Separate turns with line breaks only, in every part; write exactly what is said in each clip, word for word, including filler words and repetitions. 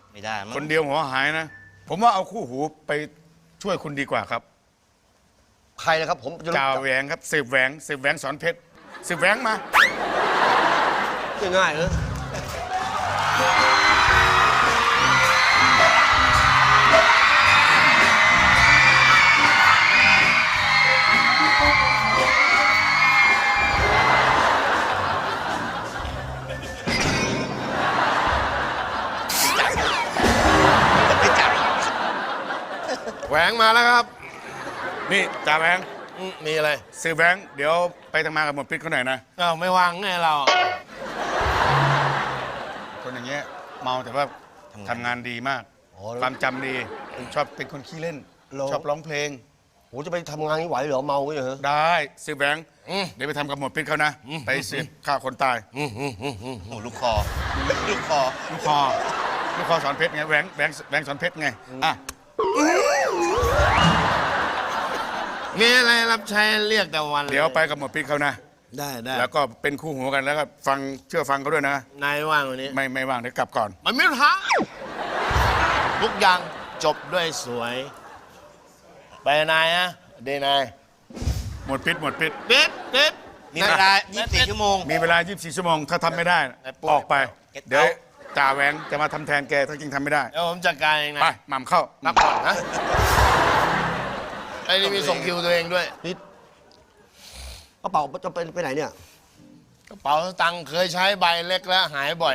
ไม่ได้
คนเดียวหัวหายนะผมว่าเอาคู่หูไปช่วยคุณดีกว่าครับ
ใครนะครับผม
จ่าแหวงครับสืบแหวงสืบแหวงสอนเพชรสืบแหวงมา
ง่ายๆเลย
แหวงมาแล้วครับ
นี่จ่าแหวง
มีอะไร
สืบแหวงเดี๋ยวไปทำงานกับหมวดพิษเขาหน่อยนะ
อ้าวไม่วางไงเรา
คนอย่างเงี้ยเมาแต่ว่าทำงานดีมากความจำดีชอบเป็นคนขี้เล่นชอบร้องเพลง
โหจะไปทำงานนี้ไหวเหรอเมาก็อย่างเหรอ
ได้สืบแหวงเดี๋ยวไปทำกับหมวดพิษเขานะไปสืบฆ่าคนตาย
โอ้ลูกคอลูกคอ
ลูกคอลูกคอสอนเพชรไงแหวงแหวงแหวงสอนเพชรไงอ่ะ
มีอะไรรับใช้เรียกแต่วัน
เดี๋ยวไปกับหมวดพิษเขานะ
ได้ได้
แล้วก็เป็นคู่หูกันแล้วก็ฟังเชื่อฟังเขาด้วยนะ
นายว่างวันนี้
ไม่ไม่ว่างเดี๋ยวกลับก่อน
มันไม่ทันทุกอย่างจบด้วยสวยไปนายฮะเดนาย
หมวดพิษหมวดพิษ
ปิดปิด
มีเวลายี่สิบสี่ชั่วโมง
มีเวลายี่สิบสี่ชั่วโมงถ้าทำไม่ได้ออกไปเดี๋ยวจ่าแหวงจะมาทำแทนแกถ้าจริงทำไม่ได้
เดี๋ยวผมจัดการเองนะ
ไปหม่ำเข้า
นับก่อนนะไอ้นี่มีส่งคิวตัวเองด้วย
นี่กระเป๋าจะเป็นไปไหนเนี่ย
กระเป๋าตังค์เคยใช้ใบเล็กแล้วหายบ่อย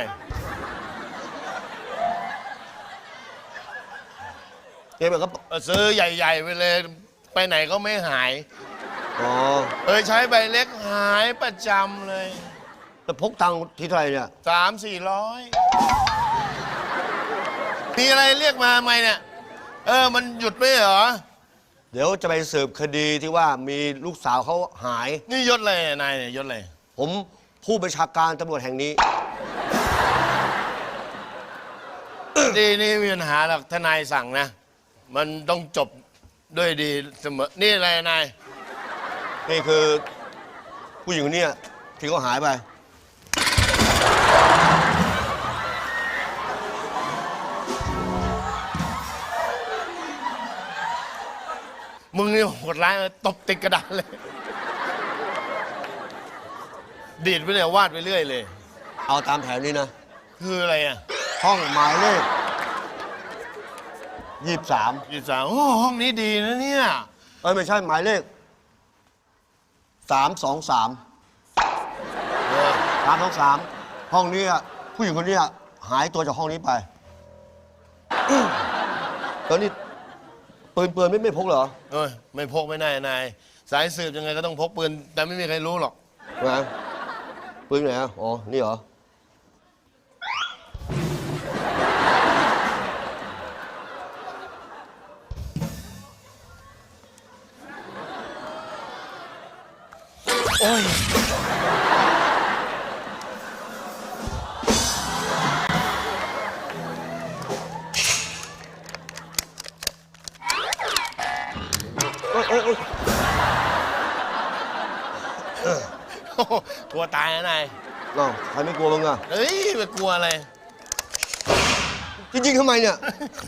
เก็บแบบก็
ซื้อใหญ่ๆไปเลยไปไหนก็ไม่หาย
อ๋อ
เคยใช้ใบเล็กหายประจำเลย
แต่พกตังค์ที่เท่าไหร่เนี่ย
สามสี่ร้อยมีอะไรเรียกมาไหมเนี่ยเออมันหยุดไม่เหรอ
เดี๋ยวจะไปสืบคดีที่ว่ามีลูกสาวเขาหาย
นี่ยศอะไรนายเนี่ยยศอะไร
ผมผู้บัญชาการตำรวจแห่งนี้
ดีนี่มีปัญหาหรอกทนายสั่งนะมันต้องจบด้วยดีเสมอนี่อะไรนาย
นี่คือผู้หญิงคนนี้ที่เขาหายไป
มึงนี่โหดร้ายตบติดกระดาษเลยดีดไปเลยวาดไปเรื่อยเลย
เอาตามแผนนี้นะ
คืออะไรอ่ะ
ห้องหมายเลขยี่สิบสาม
ยี่สิบสามโอ้ห้องนี้ดีนะเนี่ย
เอ้ยไม่ใช่หมายเลขสามสองสามสามสองสามห้องนี้ผู้หญิงคนนี้หายตัวจากห้องนี้ไปตอนนี้ปืนปืนไม่ไม่พกเหรอ
เอ้ยไม่พกไม่ได้นายสายสืบยังไงก็ต้องพกปืนแต่ไม่มีใครรู้หรอก
นะปืนไหนอ่ะอ๋อนี่เหรอ
โอ้ยกลัวตายนะนาย
น้องใครไม่กลัวมึงอ่ะ
เฮ้ยไม่กลัวอะไร
จริงๆทำไมเนี่ย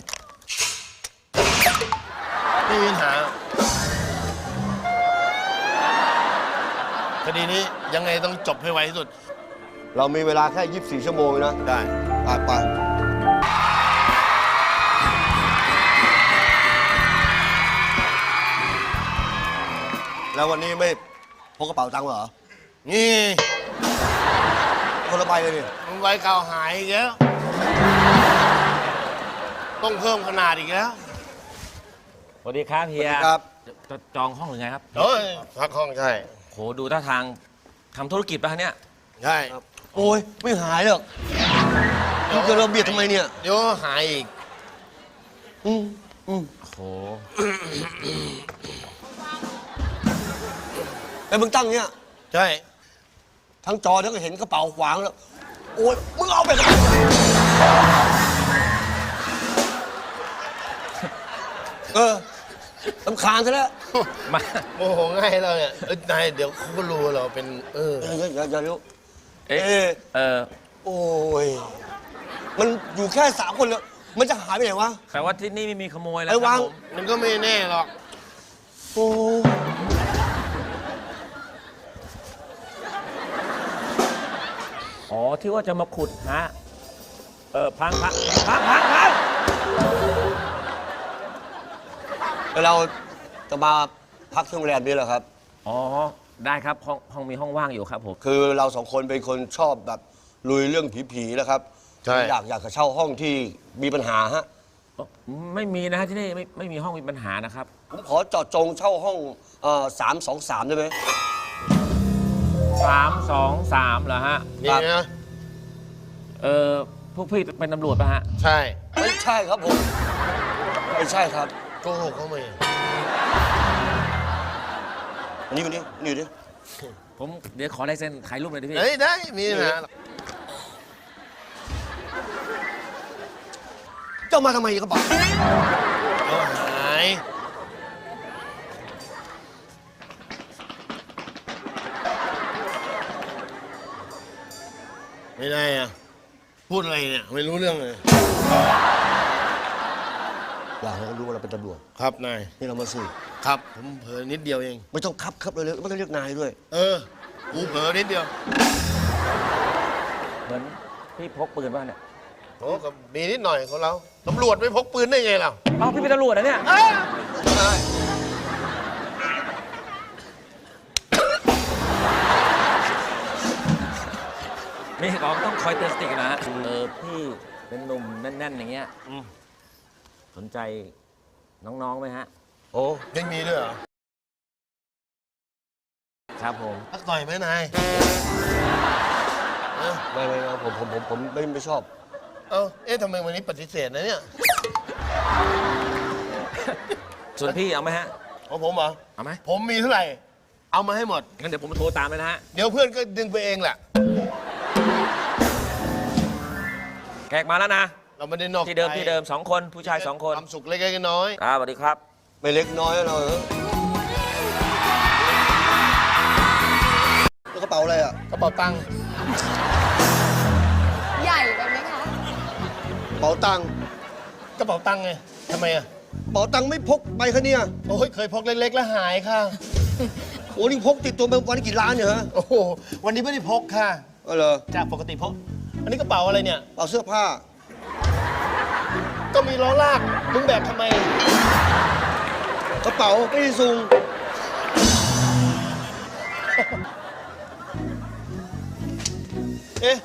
ไม่มีปัญหาคดีนี้ยังไงต้องจบให้ไวที่สุด
เรามีเวลาแค่ยี่สิบสี่ชั่วโมงนะ
ได้
ไปไปแล้ววันนี้ไม่พกกระเป๋าตังค์เหรอ
นี่
คนละใบเลยนี่
มันใบเก่าหายอีกแล้วต้องเพิ่มขนาดอีกแล้ว
สวัสดีครับเฮีย
ครับ
จองห้องหรือไงครับ
เฮ้ยพักห้องใช่
โหดูท่าทางทำธุรกิจป่ะเนี่ย
ใช่
โอ้ยไม่หายหรอกมึงจะระเบียดทำไมเนี่ย
เดี๋ยวหายอีก
อืมอืม
โห
แต่มึงตั้งเนี่ย
ใช่
ทั้งจอทั้งเห็นกระเป๋าขวางแล้วโอ้ยมึงเอาไปเออสำคาญซะแล้ว
มาโมโหง่ายเราเนี่ยเอ้ยนายเดี๋ยวเขาก็รู้เราเป็นเออ
อย่าอย่าอย่ารู้
เออเออ
โอ้ยมันอยู่แค่สามคนแล้วมันจะหายไปไหนวะ
แต่ว่าที่นี่ไม่มีขโมยแล้ว
ไอ้
ครั
วา
บ
ง
ผม
มันก็ไม่แน่หรอก
โอ้
อ๋อที่ว่าจะมาขุดฮะเออพังพังพังพังพัง
แล้วเราจะมาพักที่โรงแรมนี้เหรอครับ
อ๋อได้ครับห้องห้องมีห้องว่างอยู่ครับผม
คือเราสองคนเป็นคนชอบแบบลุยเรื่องผีๆนะครับ
ใช่
อยากอยากจะเช่าห้องที่มีปัญหาฮะ
ไม่มีนะฮะที่นี่ไม่ไม่มีห้องมีปัญหานะครับ
ผมขอเจาะจงเช่าห้องสามสองสามได้ไหม
สามสองสามเหรอฮะ
นี่นะ
เออพวกพี่เป็นตำรวจป่ะฮะ
ใช่
ไม่ใช่ครับผมไม่ใช่ครับ
โกหกเขาไหม
อันนี้คนนี้นี่ดิ
ผมเดี๋ยวขอลายเซ็นถ่ายรูปเลยดิพี่
เฮ้ยได้มีนะ
เจ้ามาทำไมกระเป๋า
เอาหายไม่ได้อะพูดอะไรเนี่ยไม่รู้เรื่องเลย
อยากให้เขารู้ว่าเราเป็นตำรวจ
ครับนาย
นี่เรามาสืบ
ครับผมเผลอนิดเดียวเอง
ไม่ต้องครับครับเลยเลยไม่ต้องเรียกนายด้วย
เออกูเผลอนิดเดียว
เหมือนพี่พกปืนป่ะเนี่ย
โอ้ก็มีนิดหน่อยของเราตำรวจไม่พกปืนได้ไงเรา
เอ้าพี่เป็นตำรวจนะเนี่ย
ใช่
นี่เราต้องคอยเตือนสติกันนะฮะเออพี่เป็นหนุ่มแน่นๆอย่างเงี้ยอืมสนใจน้องๆไหมฮะ
โอ้
ยังมีด้วยเหรอ
ครับผม
พักหน่อยไหมนายเออ
ไม่ไม่ไม่ผมผมผมผมไม่ไม่ชอบ
เอ้าเอ๊ะทำไมวันนี้ปฏิเสธนะเนี่ย
ส่วนพี่เอาไหมฮะ
ของผมเหรอ
เอาไหม
ผมมีเท่าไหร่ เอามาให้หมด
งั้นเดี๋ยวผมโทรตามเลยนะฮะ
เดี๋ยวเพื่อนก็ดึงไปเองแหละ
แขกมาแล้วนะ
เราไม่ได้นอก
ที่เดิม
ใจ
ที่เดิมสองคนผู้ชายสองคน
ความสุขเล็กๆน้อย
ครับสวัสดีครับ
ไม่เล็กน้อยนะเราเออแล้วกระเป๋าอะไรอ่ะ
ๆกระเป๋าตังค์
ใหญ่ไปไหมคะ
กระเป๋าตังค์
กระเป๋าตังค์ไงทำไมอ่ะ
กระเป๋าตังค์ไม่พกไปคะเนี่ย
โอ้ยเคยพกเล็กๆแล้วหายค่ะ
โอ้นี่พกติดตัวมาวันละกี่ล้านเนี่ยฮะ
โอ้โหวันนี้ไม่ได้พกค่ะ
ก็เหรอ
จากปกติพก อันนี้กระเป๋าอะไรเนี่ย
กระเป๋าเสื้อผ้า
ก็มีล้อลากมึงแบกทำไม
กระเป๋าไม่ได้ซุง
เอ๊ะ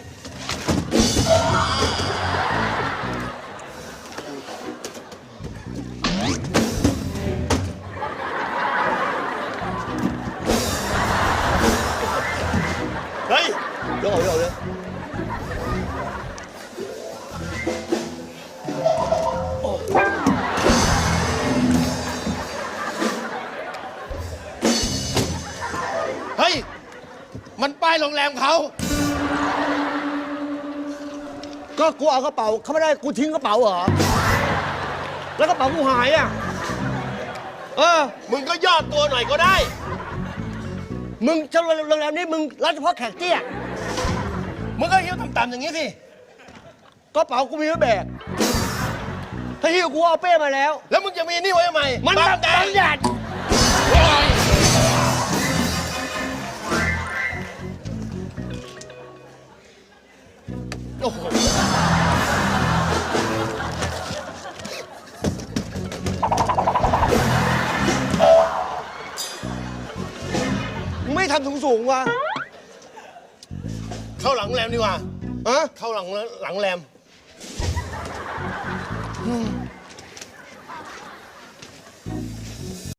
เฮ้ย
เดี๋ยวเอาเดี๋ยวเอาเดี๋ยว
เฮ้ย มันป้ายโรงแรมเขา
ก็กูเอากระเป๋าเขาไม่ได้กูทิ้งกระเป๋าเหรอ แล้วกระเป๋ากูหายอ่ะ เออ
มึงก็ย่อตัวหน่อยก็ได้
มึงจะโรงแรมนี้มึงรับเฉพาะแขกเตี้ย
มึงก็หิ้วต่ำๆอย่างนี้สิ
กระเป๋ากูมีไว้แบก ถ้าหิ้วกูเอาเป้มาแล้ว
แล้วมึงจะมีนี่ไว้ทำไม
มัน
บั
บั
ง
ง
แดด
แดด
โอ้โห
มึงไม่ทำสูงสูงๆวะ
เข้าหลังแรมดีกว่า
ฮะ
เข้าหลังหลังแรม